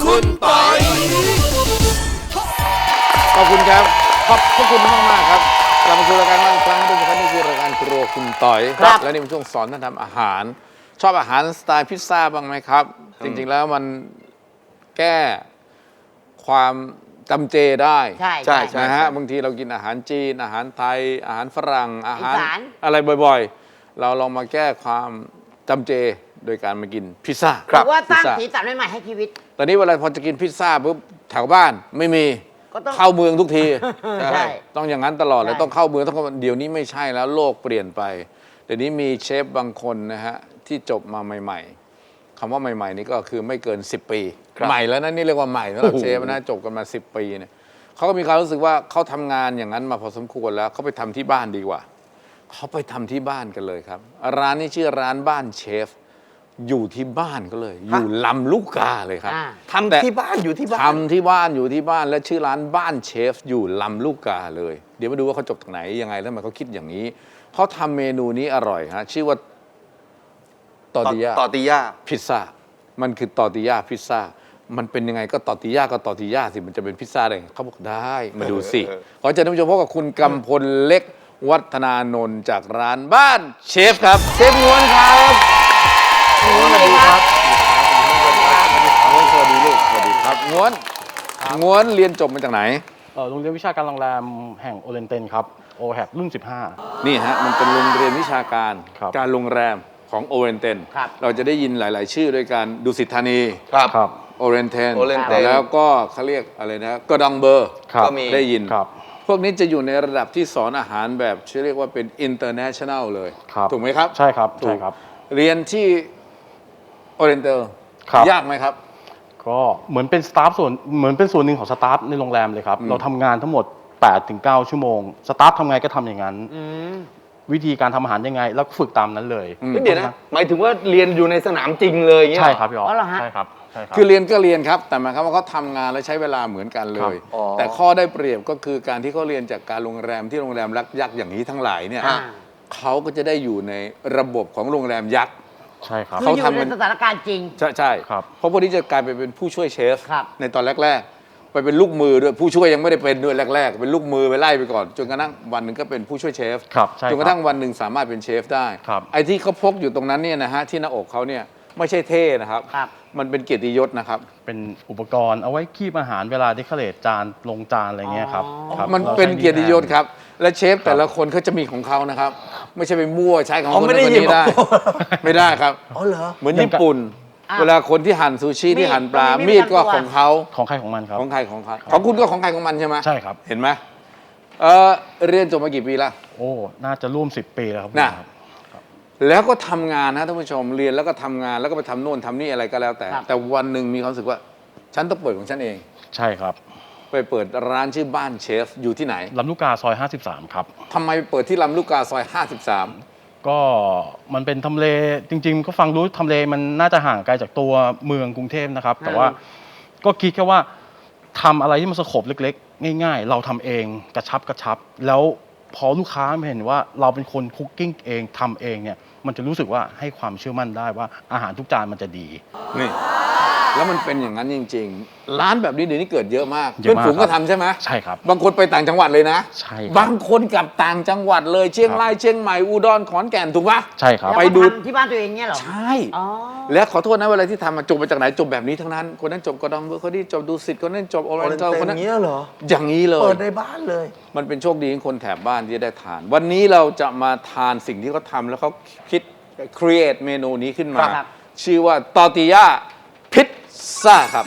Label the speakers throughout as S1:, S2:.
S1: คุณปอย
S2: ขอบคุณครับขอบคุณมากๆครับกลับมาสู่รายการอีกครั้งทุกท่านนี่คือรายการครัวคุณต่อยและนี่เป็นช่วงสอนท่านทำอาหารชอบอาหารสไตล์พิซซ่าบ้างไหมครับจริงๆแล้วมันแก้ความจำเจได้
S3: ใช่
S2: นะฮะบางทีเรากินอาหารจีนอาหารไทยอาหารฝรั่งอาหาร
S3: อีสาน
S2: อะไรบ่อยๆเราลองมาแก้ความจำเจโดยการมากินพิซซ่า
S3: หรือว่าสร้างสีสันใหม่ๆให้ชีวิต
S2: ตอนนี้เวลาพอจะกินพิซซ่าปุ๊บแถวบ้านไม่มี
S3: ก็ต้อง
S2: เข้าเมืองทุกที
S3: ใช่
S2: ต้องอย่างนั้นตลอดเลย
S3: ใช่
S2: ต้องเข้าเมืองต้องเข้าเดี๋ยวนี้ไม่ใช่แล้วโลกเปลี่ยนไปเดี๋ยวนี้มีเชฟบางคนนะฮะที่จบมาใหม่ๆคำว่าใหม่ๆนี่ก็คือไม่เกิน10 ปีใหม่แล้วนะนี่เรียกว่าใหม่สำหรับเชฟนะจบกันมา10 ปีเนี่ยเขาก็มีความรู้สึกว่าเขาทำงานอย่างนั้นมาพอสมควรแล้วเขาไปทำที่บ้านดีกว่าเขาไปทำที่บ้านกันเลยครับร้านนี้ชื่อร้านบ้านเชฟอยู่ที่บ้านก็เลย อยู่ลำลูกกาเลยครับ
S1: ทำที่บ้านอยู่ที่บ้าน
S2: ทำที่บ้านอยู่ที่บ้านและชื่อร้านบ้านเชฟอยู่ลำลูกกาเลย เดี๋ยวมาดูว่าเขาจบจากไหนยังไงแล้วทำไมเขาคิดอย่างนี้เขาทำเมนูนี้อร่อยฮะชื่อว่าตอร์ติยาพิซซ่ามันคือตอร์ติยาพิซซ่ามันเป็นยังไงก็ตอร์ติยาก็ตอร์ติยาสิมันจะเป็นพิซซ่าได้ไงเขาบอกได้มาดูสิขอเชิญท่านผู้ชมพบกับคุณกำพลเล็กวัฒนานนท์จากร้านบ้านเชฟครับเชฟง้วนครับง้วนสวัสดีครับง้วนสวัสดีลูกสวัสดีครับง้วนเรียนจบมาจากไหน
S4: โรงเรียนวิชาการโรงแรมแห่งโอเรนเตนครับโอแฮรุ่น
S2: นี่ฮะมันเป็นโรงเรียนวิชาการ
S4: ครับ
S2: การโรงแรมของโอเรนเตน
S3: ครับ
S2: เราจะได้ยินหลาย ๆ ชื่อด้วยการดุสิตธานี
S1: ครับ
S4: ครับ
S2: โอเรนเตน
S1: Oriental
S2: แล้วก็เขาเรียกอะไรนะกระดองเบอร์
S4: ครับ
S1: ก็มี
S2: ได้ยิน
S4: ครับ
S2: พวกนี้จะอยู่ในระดับที่สอนอาหารแบบเรียกว่าเป็น international เลย
S4: ครับ
S2: ถูกไหมครับ
S4: ใช่ครับ
S2: ถูก
S4: ใช่ครับ
S2: เรียนที่โอเรนเตล
S4: ครับ
S2: ยากไหมครับ
S4: ก็เหมือนเป็นสตาฟเหมือนเป็นส่วนหนึ่งของสตาฟในโรงแรมเลยครับ เราทำงานทั้งหมด 8-9 ชั่วโมงสตาฟทำไงก็ทำอย่างนั้น วิธีการทำอาหารยังไง แล้วก็ฝึกตามนั้นเลย
S1: เดี๋ยวนะหมายถึงว่าเรียนอยู่ในสนามจริงเลยอย่างเงี้ย
S4: ใช่ครับพี่อ๋อ
S3: อ๋อเหรอฮะ
S4: ใช่ครับใช่ครับ
S2: คือเรียนก็เรียนครับแต่หมายความว่าเขาทำงานและใช้เวลาเหมือนกันเลย
S1: ครับอ๋อ
S2: แต่ข้อได้เปรียบก็คือการที่เขาเรียนจากการโรงแรมที่โรงแรมยักษ์อย่างนี้ทั้งหลายเนี่ย
S3: อ่า
S2: เขาก็จะได้อยู่ในระบบของโรงแรมยักษ์
S4: ใช่ครับ
S3: คือ
S2: เขา
S3: อยู่
S2: ทำมั
S3: ใน
S2: น
S3: สถานการณ์จริง
S2: ใช่
S4: ครับ
S2: เพราะพวกนี้จะกลายไปเป็นผู้ช่วยเชฟ
S3: ครับ
S2: ในตอนแรก ๆ ไปเป็นลูกมือด้วยผู้ช่วยยังไม่ได้เป็นด้วยแรก ๆ เป็นลูกมือไปไล่ไปก่อนจนกระทั่งวันหนึ่งก็เป็นผู้ช่วยเชฟ
S4: ครับใช่
S2: จนกระทั่งวันหนึ่งสามารถเป็นเชฟได้
S4: ครับ
S2: ไอ้ที่เขาพกอยู่ตรงนั้นเนี่ยนะฮะที่หน้าอกเขาเนี่ยไม่ใช่เท่นะครับ
S3: ครับ
S2: มันเป็นเกียรติยศนะครับ
S4: เป็นอุปกรณ์เอาไว้คีบอาหารเวลาที่เขาเลทจานลงจานอะไรเงี้ยครับ
S3: อ๋อ
S4: ครับ
S2: มัน
S4: รา
S2: เป็น
S4: ใช้
S2: เกียรติยศครับ และเชฟแต่ละคนเขาจะมีของเขานะครับ ไม่ใช่ไปมั่วใช้ของ
S1: อ๋อ
S2: คน
S1: ไม่
S2: นั้น
S1: ได้
S2: คน
S1: หยิบ
S2: นี้ได้ ไม่ได้ครับ
S1: อ๋อเหรอ
S2: เหมือนญี่ปุ่น
S3: อ่ะ
S2: เวลาคนที่หั่นซูชิที่หั่นปลา
S3: มีด
S2: มีดก็
S3: ประจำตัว
S2: ของเขา
S4: ของใครของมันครับ
S2: ของใครของเขาของคุณก็ของใครของมันใช่ไหม
S4: ใช่ครับ
S2: เห็นไหมเรียนจบมากี่ปีแล้ว
S4: โอ้น่าจะร่วม10 ปีแล้วครับ
S2: น่ะ
S4: ครับ
S2: แล้วก็ทำงานนะท่านผู้ชมเรียนแล้วก็ทำงานแล้วก็ไปทำโน่นทำนี่อะไรก็แล้วแต่
S3: ครับ
S2: แต่วันหนึ่งมีความรู้สึกว่า ฉันต้องเปิดของฉันเอง
S4: ใช่ครับ
S2: ไปเปิดร้านชื่อบ้านเชฟอยู่ที่ไหน
S4: ลำลูกกาซอย 53 ครับ
S2: ทำไมเปิดที่ลำลูกกาซอย 53
S4: ก็มันเป็นทำเลจริงๆ ก็ฟังรู้ทำเลมันน่าจะห่างไกลจากตัวเมืองกรุงเทพนะครับ แต่ว่าก็คิดแค่ว่าทำอะไรที่มันสโคปเล็กๆ ง่ายๆ เราทำเองกระชับ แล้วพอลูกค้าเห็นว่าเราเป็นคนคุกกิ้งเองทำเองเนี่ยมันจะรู้สึกว่าให้ความเชื่อมั่นได้ว่าอาหารทุกจานมันจะดี
S2: นี่แล้วมันเป็นอย่างนั้นจริง ๆ ร้านแบบนี้เดี๋ยวนี้เกิดเยอะมาก
S4: เยอะ
S2: เพื่อน
S4: มาก
S2: ฝูงก็
S4: ครับ
S2: ทำใช่ไหม
S4: ใช่ครับ
S2: บางคนไปต่างจังหวัดเลยนะ
S4: ใช่ครับ
S2: บางคนกลับต่างจังหวัดเลยเชียงรายเชียงใหม่อุดรขอนแก่นถูกปะ
S4: ใช่ครับ
S3: แล้ว
S2: ไป
S3: ก็
S2: ดู
S3: ทำที่บ้านตัวเองเนี่ยเหรอ
S2: ใช่
S3: อ๋อ
S2: และขอโทษนะเวลาที่ทำมาจบมาจากไหนจบแบบนี้ทั้งนั้น คนนั้นจบกระดองเบอร์คนนี้จบดูสิตคนนั้นจบโอเรนเตลคน
S1: อ
S2: นั้น
S1: ย่างเงี้ยเหรอ
S2: อย่างนี้เลย
S1: เปิดในบ้านเลย
S2: มันเป็นโชคดีของคนแถบบ้านที่จะได้ทาน วันนี้เราจะมาทานสิ่งที่เขาทำแล้วเขาคิด create เมนูนี้ขึ้นมา
S3: ครับ
S2: ชื่อว่าตอร์ติยาพิซซ่าครับ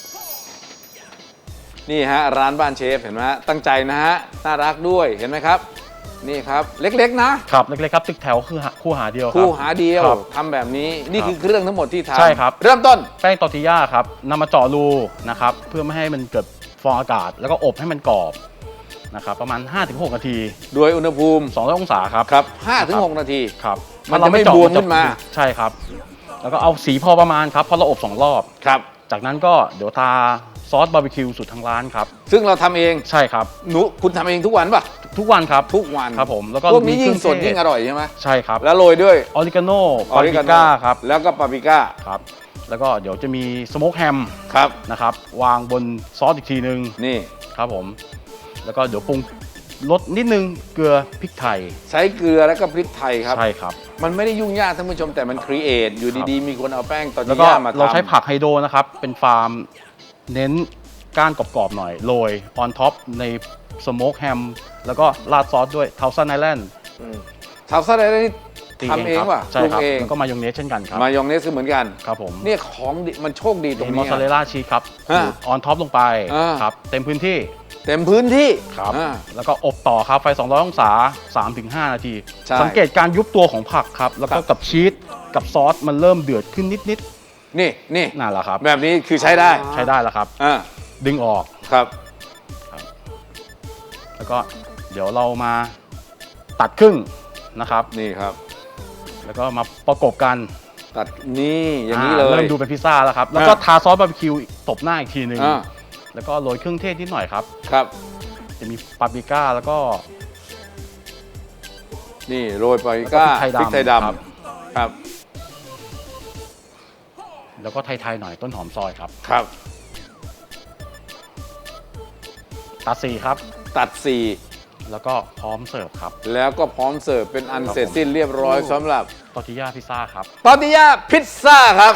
S2: นี่ฮะร้านบ้านเชฟเห็นไหมฮะตั้งใจนะฮะน่ารักด้วยเห็นไหมครับ นี่ครับเล็กๆนะครับ
S4: เล็กๆครับตึกแถวคือคู่หาเดียวครับ
S2: คู่หาเดียว
S4: ครับ
S2: ทำแบบนี้นี่คือเครื่องทั้งหมดที่ทำ
S4: ใช่ครับ
S2: เริ่มต้น
S4: แป้งตอร์ติย่าครับนำมาเจาะรูนะครับเพื่อไม่ให้มันเกิดฟองอากาศ แล้วก็อบให้มันกรอบนะครับประมาณ 5-6 นาที
S2: โดยอุณหภูมิ
S4: 200 องศาครับ
S2: ครับ 5-6 นาที
S4: ครับ
S2: มันจะไม่บวมขึ้นมา
S4: ใช่ครับ แล้วก็เอาสีพอประมาณครับเพราะเราอบ2 รอบ
S2: ครับ
S4: จากนั้นก็เดี๋ยวทาซอสบาร์บีคิวสูตรทางร้านครับ
S2: ซึ่งเราทำเอง
S4: ใช่ครับ
S2: คุณทำเองทุกวันป่ะ
S4: ทุกวันครับ
S2: ทุกวัน
S4: ครับผมแล้วก็
S2: พวกนี้ยิ่งสด
S4: มีเครื่องเทศ
S2: ยิ่งอร่อยใช่ไหม
S4: ใช่ครับ
S2: แล้วโรยด้วย
S4: ออริกาโน่ปาปริก้าครับ
S2: แล้วก็ปาปริก้า
S4: ครับแล้วก็เดี๋ยวจะมีสโมกแฮม
S2: ครับ
S4: นะครับวางบนซอสอีกทีนึง
S2: นี่
S4: ครับผมแล้วก็เดี๋ยวปรุงรสนิดนึงเกลือพริกไทย
S2: ใช้เกลือแล้วก็พริกไทยครับ
S4: ใช่ครับ
S2: มันไม่ได้ยุ่งยากท่านผู้ชมแต่มันครีเอทอยู่ดีๆ มีคนเอาแป้งตอร์
S4: แล้
S2: ติ
S4: วก็
S2: ย่ามาทำ
S4: เราใช้ผักไฮโดรนะครับเป็นฟาร์มเน้นก้านกรอบๆหน่อยโรยออนท็อปในสโมกแฮมแล้วก็ราดซอสด้วยเทาซันไอแลนด์
S2: ทำซะได้นี่ทำเอง
S4: ครับ
S2: ว่ะ
S4: ใช่
S2: ปรุง
S4: ครับ
S2: เอง
S4: แล้วก็มายองเนสเช่นกันครับ
S2: มายองเนสก็เหมือนกัน
S4: ครับผม
S2: เนี่ยของดีมันโชคดีตรง
S4: มีมอ
S2: นี้
S4: สซาเรลล่าชีสครับ
S2: ฮะ
S4: ออนท็อปลงไป
S2: อ่า
S4: ครับเต็มพื้นที่
S2: เต็มพื้นที่
S4: ครับ
S2: อ่า
S4: แล้วก็อบต่อครับไฟ 200 องศา 3-5 นาที
S2: ใช่
S4: สังเกตการยุบตัวของผักครับ แล้วก็กับชีสกับซอสมันเริ่มเดือดขึ้นนิด
S2: นี่นี่
S4: ๆนั่นแหละครับ
S2: แบบนี้คือใช้ได้
S4: ใช้ได้แล้วครับ
S2: อ่า
S4: ดึงออก
S2: ครับ
S4: แล้วก็เดี๋ยวเรามาตัดครึ่งนะครับ
S2: นี่ครับ
S4: แล้วก็มาประกบกัน
S2: ตัดนี่อย่างนี้เลย
S4: เริ่มดูเป็นพิซซ่าแล้วครับ แล้วก็ทาซอสบาร์บีคิวตบหน้าอีกทีหนึ่ง
S2: อ่า
S4: แล้วก็โรยเครื่องเทศนิดหน่อยครับ
S2: ครับ
S4: จะมีปาปริก้าแล้วก็
S2: นี่โรยปาปริก้า
S4: แล้วก็พริกไทยดำ
S2: ครับครับ
S4: แล้วก็ไทยๆหน่อยต้นหอมซอยครับ
S2: ครับ
S4: ตัดสี่ครับ
S2: ตัดสี่
S4: แล้วก็พร้อมเสิร์ฟครับ
S2: แล้วก็พร้อมเสิร์ฟเป็นอันเสร็จสิ้นเรียบร้อยสำหรับ
S4: ตอร์ติญ่าพิซซ่าครับ
S2: ตอร์ติย่าพิซซ่าครับ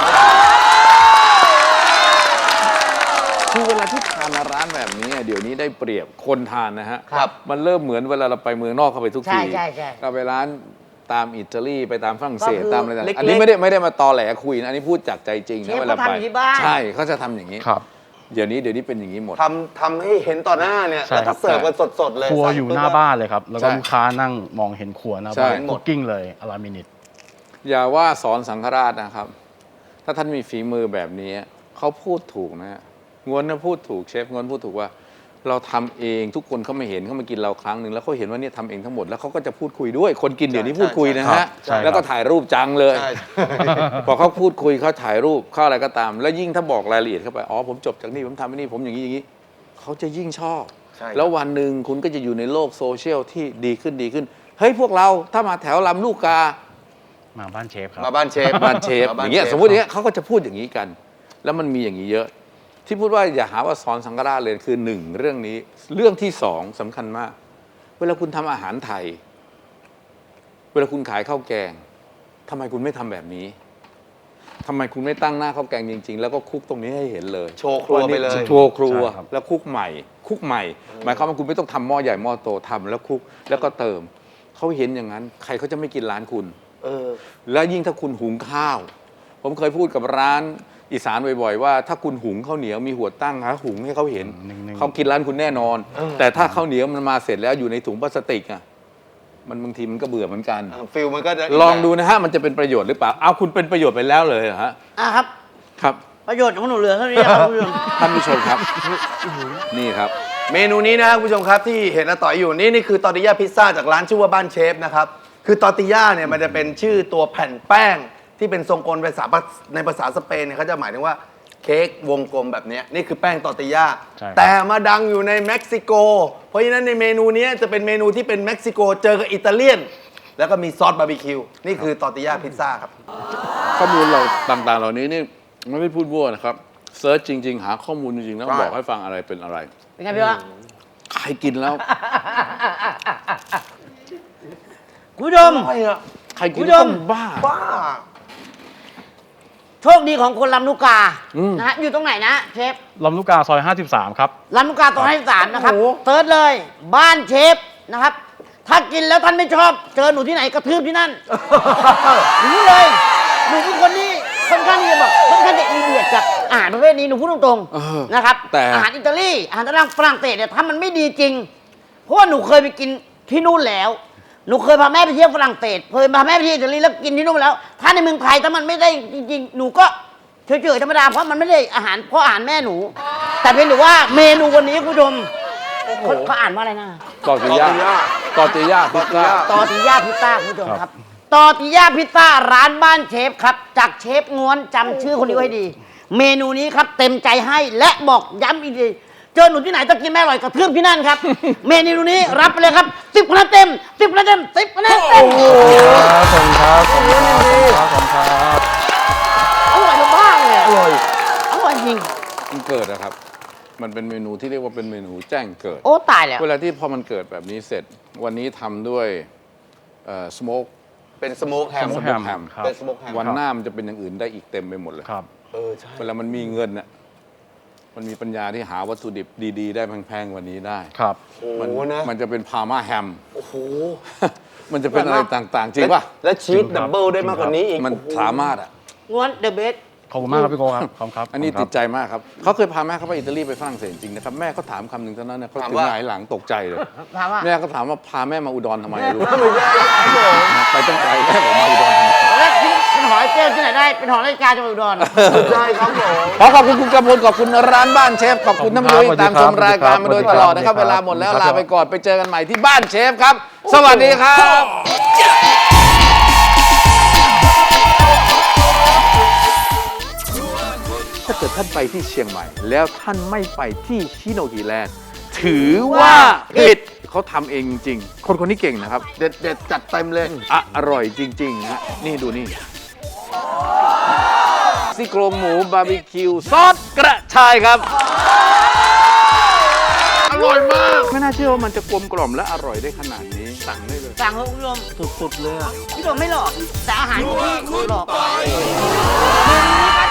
S2: คือเวลาที่ทานร้านแบบนี้เดี๋ยวนี้ได้เปรียบคนทานนะฮะ
S1: ครับ
S2: มันเริ่มเหมือนเวลาเราไปเมืองนอกเข้าไปทุกที
S3: ใช่
S2: เราไปร้านตามอิตาลีไปตามฝรั่งเศส
S3: ก็คือ
S2: ตามอะไรต่าง
S1: เล็กๆ
S2: ๆอันนี้ไม่ได้มาตอแหลคุยนะอันนี้พูดจากใจจริง
S3: เช
S2: นะ
S3: ฟ
S2: เวลา
S3: เขา
S2: ไป
S3: ทำอยู่ที่บ้าน
S2: ใช่เขาจะทำอย่างนี้
S4: ครับ
S2: เดี๋ยวนี้เป็นอย่างนี้หมด
S1: ทำให้เห็นต่อหน้าเนี่ย
S4: ใช่
S1: แล้ว
S4: ครั
S1: ก็
S4: บ
S1: เสิร์ฟกันสดๆเลย
S4: ครัวอยู่หน้าบ้านเลยครับ แล้วก็
S2: ใช่
S4: ลูกค้านั่งมองเห็นครัวหน้า
S2: ใช่
S4: บ้านคุกกิ้งเลยอลามินิต
S2: อย่าว่าสอนสังฆราชนะครับ ถ้าท่านมีฝีมือแบบนี้เขาพูดถูกนะฮะงวนนะพูดถูกเชฟงวนพูดถูกว่า เราทำเองทุกคนเขาไม่เห็นเขามากินเราครั้งหนึ่งแล้วเขาเห็นว่าเนี่ยทำเองทั้งหมดแล้วเขาก็จะพูดคุยด้วยคนกินเดี๋ยวนี้พูดคุยนะฮะ
S4: ใช่ครับ
S2: แล้วก็ถ่ายรูปจังเลย
S1: ใช่
S2: พอเขาพูดคุยเขาถ่ายรูปเข้าอะไรก็ตาม แล้วยิ่งถ้าบอกรายละเอียดเข้าไปอ๋อผมจบจากนี่ผมทำนี่ผมอย่างนี้เขาจะยิ่งชอบ
S1: ใช่ครับ
S2: แล้ววันหนึ่งคุณก็จะอยู่ในโลกโซเชียลที่ดีขึ้นเฮ้ยพวกเราถ้ามาแถวลำลูกกา
S4: มาบ้านเชฟครับ
S1: มาบ้านเชฟ
S2: บ้านเชฟ
S1: ม
S2: อย่างเงี้ย
S1: ชฟ
S2: สมมติอย่างเงี้ยเขาก็จะพูดอย่างนี้กัน แล้วมันมีอย่างนี้เยอะ ที่พูดว่าอย่าหาว่าสอนสังฆราชเลยคือหนึ่งเรื่องนี้ เรื่องที่สองสำคัญมาก เวลาคุณทำอาหารไทย เวลาคุณขายข้าวแกงทำไมคุณไม่ทำแบบนี้ทำไมคุณไม่ตั้งหน้าข้าวแกงจริง ๆ แล้วก็คลุกตรงนี้ให้เห็นเลย
S1: โชว์ครัวไปเลย
S2: โชว์ครัว
S4: ใช่ครับ
S2: แล้วคลุกใหม่หมายความว่าคุณไม่ต้องทำหม้อใหญ่หม้อโตทำแล้วคลุกแล้วก็เติมเขาเห็นอย่างนั้น ใครเขาจะไม่กินร้านคุณ
S1: เออ
S2: แล้วยิ่งถ้าคุณหุงข้าว ผมเคยพูดกับร้านอีสานบ่อยๆว่าถ้าคุณหุงข้าวเหนียวมีหัวตั้งหาหุงให้เขาเห็น
S4: นิ่งๆ
S2: เขากินร้านคุณแน่นอน แต่ถ้าข้าวเหนียวมันมาเสร็จแล้วอยู่ในถุงพลาสติกอ่ะมันบางทีมันก็เบื่อเหมือนกัน
S1: ฟิลมันก็จะ
S2: ลองดูนะฮะมันจะเป็นประโยชน์หรือเปล่าเอาคุณเป็นประโยชน์ไปแล้วเลยเหรอฮะ
S3: ครับ
S2: ครับ
S3: ประโยชน์ของหนูเหลือเท่านี้ครับคุณผู้ชม
S2: ท่านผู้ชมครับนี่ครับ
S1: เมนูนี้นะครับคุณผู้ชมครับที่เห็นอาต่อยอยู่นี่คือตอร์ติญ่าพิซซ่าจากร้านชื่อว่าบ้านเชฟนะครับคือตอร์ติญ่าเนี่ยมันจะเป็นชื่อตัวแผ่นแป้งที่เป็นทรงกลมในภาษาสเปนเนี่ยเขาจะหมายถึงว่าเค้กวงกลมแบบเนี้ยนี่คือแป้งตอร์ติญ่า
S4: ใช่ครับ
S1: แต่มาดังอยู่ในเม็กซิโก เพราะฉะนั้นในเมนูนี้จะเป็นเมนูที่เป็นเม็กซิโกเจอกับอิตาเลียน แล้วก็มีซอสบาร์บีคิวนี่คือตอร์ติญ่าพิซซ่าครับ
S2: ข้อมูลเราต่างๆ เหล่านี้นี่ไม่ได้พูดมั่วนะครับเซิร์ชจริง ๆ หาข้อมูลจริงๆแล้ว
S1: ใช่
S2: บอกให้ฟังอะไรเป็นอะไร
S3: เป็นไงพี่วะ
S2: ใครกินแล้ว
S3: คุณผู้ชม
S2: ใครกิน
S3: คุณผู้
S2: แล้ว
S3: ชม
S2: ต้องบ้า
S1: บ้า
S3: โชคดีของคนลำลูกกา
S2: อืม
S3: นะฮะอยู่ตรงไหนนะเชฟ
S4: ลำลูกกาซอย 53 ครับ
S3: ลำลูกกาตรง53นะครับ
S1: โอ้โห
S3: เซิร์ชเลย บ้านเชฟนะครับ ถ้ากินแล้วท่านไม่ชอบ เจอหนูที่ไหนกระทืบที่นั่น หนูเลย หนูเป็นคนที่ค่อนข้างที่จะแบบค่อนข้างจะอีเดียดกับอาหารประเภทนี้หนูพูดตรง
S2: เออ
S3: ๆนะครับ
S2: แต่
S3: อาหารอิตาลีอาหารฝรั่งเศสเนี่ยถ้ามันไม่ดีจริง เพราะว่าหนูเคยไปกินที่นู่นแล้ว หนูเคยพาแม่ไปเที่ยวฝรั่งเศสเคยพาแม่ไปเที่ยวอิตาลีแล้วกินที่นู่นมาแล้ว ถ้าในเมืองไทยถ้ามันไม่ได้จริงๆ หนูก็เฉยๆธรรมดาเพราะมันไม่ได้อาหารเพราะอาหารแม่หนู แต่เพียงแต่ว่าเมนูวันนี้คุณผู้ชมเขาอ่านว่าอะไรนะ
S2: ตอร์ติย่าตอร์ติย่าพิซซ่า
S3: ตอร์ติญ่าพิซซ่าคุณผู้ชมครับตอร์ติญ่าพิซซ่าร้านบ้านเชฟครับ จากเชฟง้วนจำชื่อคนนี้ไว้ดี เมนูนี้ครับเต็มใจให้และบอกย้ำอีกทีเจอหนูที่ไหนจะกินไม่อร่อยกระเทือบที่นั่นครับ เมนูนี้รับไปเลยครับ10คะแนนเต็ม10คะแนนเต็ม10คะแนนเต็ม
S4: ขอบคุณครับขอบคุณครับขอบคุณครับ
S3: อร่อยมาก
S2: มันเกิดนะครับ มันเป็นเมนูที่เรียกว่าเป็นเมนูแจ้งเกิด
S3: โอ้ตายแล้ว
S2: เวลาที่พอมันเกิดแบบนี้เสร็จ วันนี้ทำด้วยสโมก
S1: เป็นสโมกแฮม
S4: smoke ham ครับ
S1: เป็นสโมกแฮม
S2: วันหน้ามันจะเป็นอย่างอื่นได้อีกเต็มไปหมดเลย
S4: ครับ
S1: ใช่
S2: เวลามันมีเงินน่ะมันมีปัญญาที่หาวัตถุดิบดีๆ ได้แพงๆกว่านี้ได้
S4: ครับ
S1: โอ้โหนะ
S2: มันจะเป็นพาร์มาแฮม
S1: โอ้โห
S2: มันจะเป็นอะไรต่างๆ จริงป่ะ
S1: และชีสดับเบิลได้มากกว่านี้อีก
S2: มันสามารถอ่ะ
S3: ง้วนเดอะเบส
S4: ขอบคุณมากครับพี่โก้ครับขอบคุณครับ
S2: อันนี้
S4: ขบ
S2: ติ
S4: คุ
S2: ด
S4: ณ
S2: ใจมากครับ เขาเคยพาแม่เขาไปอิตาลีไปฝรั่งเศสจริงๆนะครับ แม่เขาถามคำหนึ่งเท่านั้นเนี่ยเขา
S1: ถาม
S2: ถึง
S1: ว่า
S2: หงายหลังตกใจเลย
S3: ถามว่า
S2: แม่ก็ถามว่าพาแม่มาอุดรทำไมลูก
S1: ไม่ใช่ครับผม
S2: ไปตั้งไกลแม่บอกมาอุดรทำไม
S3: แล้วเป็นหอยเปรี้ยวที่ไหนได้ เป็นหอนาฬิกาจังหวัดอุดร
S1: ใช่ครับผม
S2: ขอขอบคุณคุณกำพลขอบคุณร้านบ้านเชฟ ขอบคุณท่านผู้ชมที่ตามชมรายการมาโดยตลอดนะครับ เวลาหมดแล้วลาไปก่อนไปเจอกันใหม่ที่บ้านเชฟครับ สวัสดีครับ ถ้าเกิดท่านไปที่เชียงใหม่ แล้วท่านไม่ไปที่ชิโนกิแลนด์ถือว่าผิดเขาทำเองจริงๆคนนี้เก่งนะครับ
S1: เด็ดจัดเต็มเลย
S2: อร่อยจริงๆฮะนี่ดูนี่ซี่โครงหมูบาร์บีคิวซอสกระชายครับ
S1: อร่อยมาก
S2: ไม่น่าเชื่อว่ามันจะกลมกล่อมและอร่อยได้ขนาดนี้สั่งได้เลย
S3: สั่งให้คุณผู้ชม
S1: สุดๆเลยอะ
S3: พี่โดมไม่หลอก แต่อาหารที่หลอก